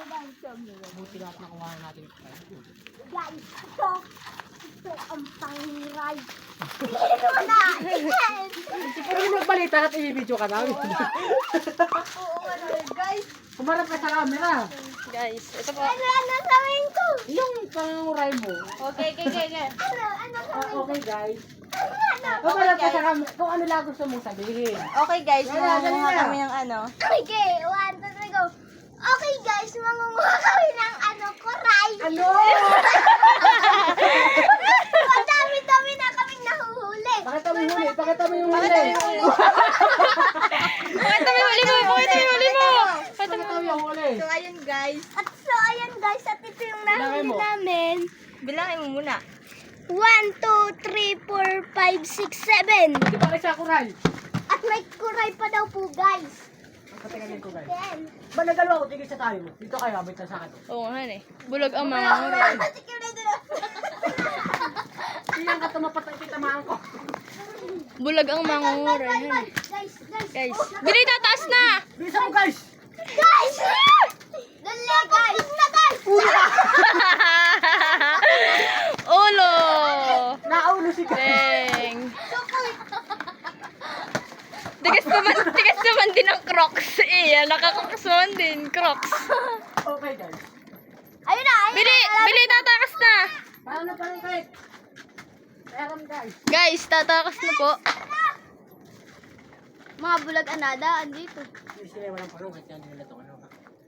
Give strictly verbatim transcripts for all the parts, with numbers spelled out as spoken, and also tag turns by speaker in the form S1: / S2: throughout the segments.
S1: Buti lahat nakuha natin.
S2: Guys, ito. Ito ang pangiray. Ito na.
S1: Pero yung magbalita at i-video ka namin.
S2: Oo nga naman, guys.
S1: Kumarap ka sa camera.
S3: Guys, ito po.
S2: Ano, ano gawin ko?
S1: Yung panguray mo.
S3: Okay, okay, okay, okay.
S2: Ano, ano
S1: Ah,
S2: gawin ko?
S1: okay guys.
S2: Ano?
S1: Kumarap ka sa camera. Kung ano lang gusto mong sabihin.
S3: Okay guys,
S1: Dali na, dali
S3: mangunguha
S1: na.
S3: kami ng ano.
S2: Okay, one, two, three, go. Okay, guys, mangunguha kami ng ano, kuray.
S1: Ano?
S2: Ang dami-dami na kaming nahuhuli.
S1: Pakita mo yung huli. Pakita mo yung huli.
S3: Pakita mo yung huli. Pakita mo yung huli mo. Pakita mo yung huli mo.
S1: Pakita mo yung huli.
S3: So ayun guys.
S2: At so, ayan guys, at ito yung
S1: Bilangin
S2: nahuli
S1: mo.
S2: namin.
S3: Bilangin mo muna.
S2: one, two, three, four, five, six, seven.
S1: Di ba kayo sa kuray?
S2: At may kuray pa daw po, guys.
S1: Patingin ko guys.
S2: Then,
S1: Ba nagalaw ako? Tigil sa tayo. Dito kayo. Abit na sa akin.
S3: Oo nga eh. Bulag ang mga nguray.
S1: Iyan ka tumapat ang kitamaan ko.
S3: Bulag ang mga nguray.
S2: guys, guys.
S3: Guys,
S2: Oh,
S3: bili tataas na!
S1: Bisa mo guys.
S2: guys! Dali, guys! na, guys!
S3: Ulo!
S1: Naulo si guys.
S3: Deng! Tigas naman, tigas naman din ang Crocs. Iya, nakakrocs naman din, Crocs.
S1: Okay guys.
S2: Ayun na, ayun
S3: Bili,
S2: na.
S3: bili tatakas na!
S1: Paano pa rin guys? Meron guys.
S3: Guys, tatakas na po.
S2: Mga bulag anada, andito.
S1: Hindi sila walang parungit. Yan nila ito. Ano ba?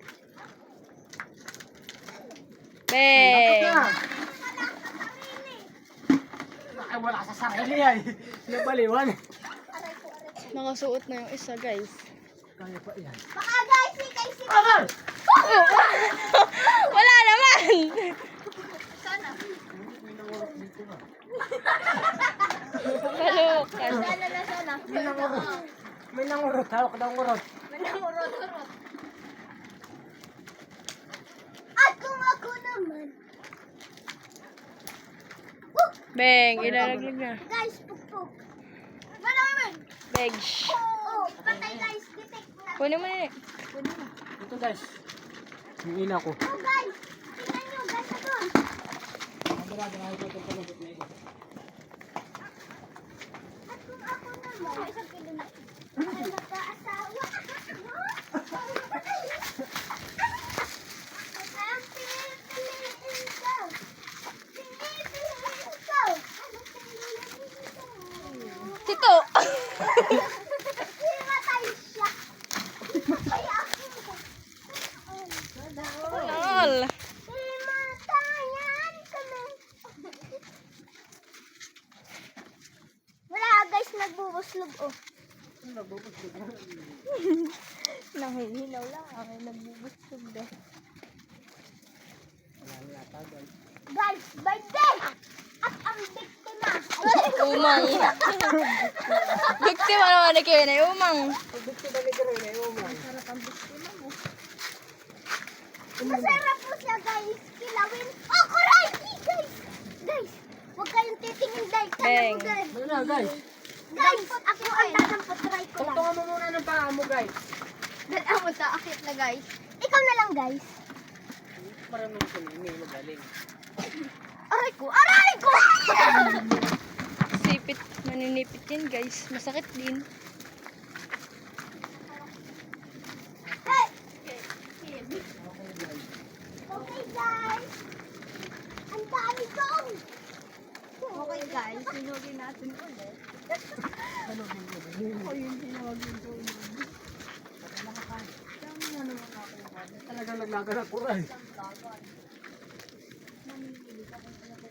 S3: Beng!
S1: na. Ay, wala sa sarili ay. Nabaliwan.
S3: Nakasuot na yung isa, guys.
S1: Kaya pa yan.
S2: Baka guys, si guys, si
S1: Amal!
S3: Wala naman!
S2: Sana.
S1: May nangurot dito na.
S3: Kalukan.
S2: Sana na sana.
S1: May nangurot. May nangurot. Hawak daw ngurot.
S2: Manamurot-urot. At kung ako naman. Woo!
S3: Beng, ilalaglag na.
S2: Guys, pukpuk. Manamurot.
S3: Beg.
S2: Oh, patay guys, detect na.
S3: Kunin mo na.
S1: Ito guys. Yung ina ko.
S2: Oh guys, tingnan nyo guys, doon.
S1: Mabarado na ito. Ito ito ito ito.
S2: At kung ako naman, isang kilo na. Ay, magkaasawa. Ang pinipiliin ko. Pinipiliin ko. Ano pinipiliin ko?
S3: Tito!
S2: Himatay siya. Kaya ako.
S3: Nol!
S2: Himatayan kami. Wala guys, nagbubuslog oh.
S3: Nanghihinaw lang. Ay, nagbubuslog daw.
S1: Wala na yata guys.
S2: Guys, birthday! At ang biktima.
S3: Umang. Biktima naman na kayo na umang.
S1: Pagdikti ba ni Gary na yung umang?
S2: Masarap po siya guys. Kilawin. Oh, kuray! Guys! Guys! Huwag kayong titingin dahil ka
S3: Bang.
S2: na guys.
S1: Ano na guys?
S2: Guys, ako ang dadampot. Try ko lang.
S1: Tungtungan mo muna ng paa mo guys.
S2: Dala mo sa akit na guys. Ikaw na lang guys.
S1: Para nung sunini magaling.
S2: Aray ko! Aray ko!
S3: Sipit, maninipit yan guys. Masakit din.
S2: Hey! Okay guys. Ang dami ko. Okay guys, sinugin natin ulit.
S1: Ano din yun?
S2: O yung sinugin ko ulit.
S1: Talagang naglaga na kuray.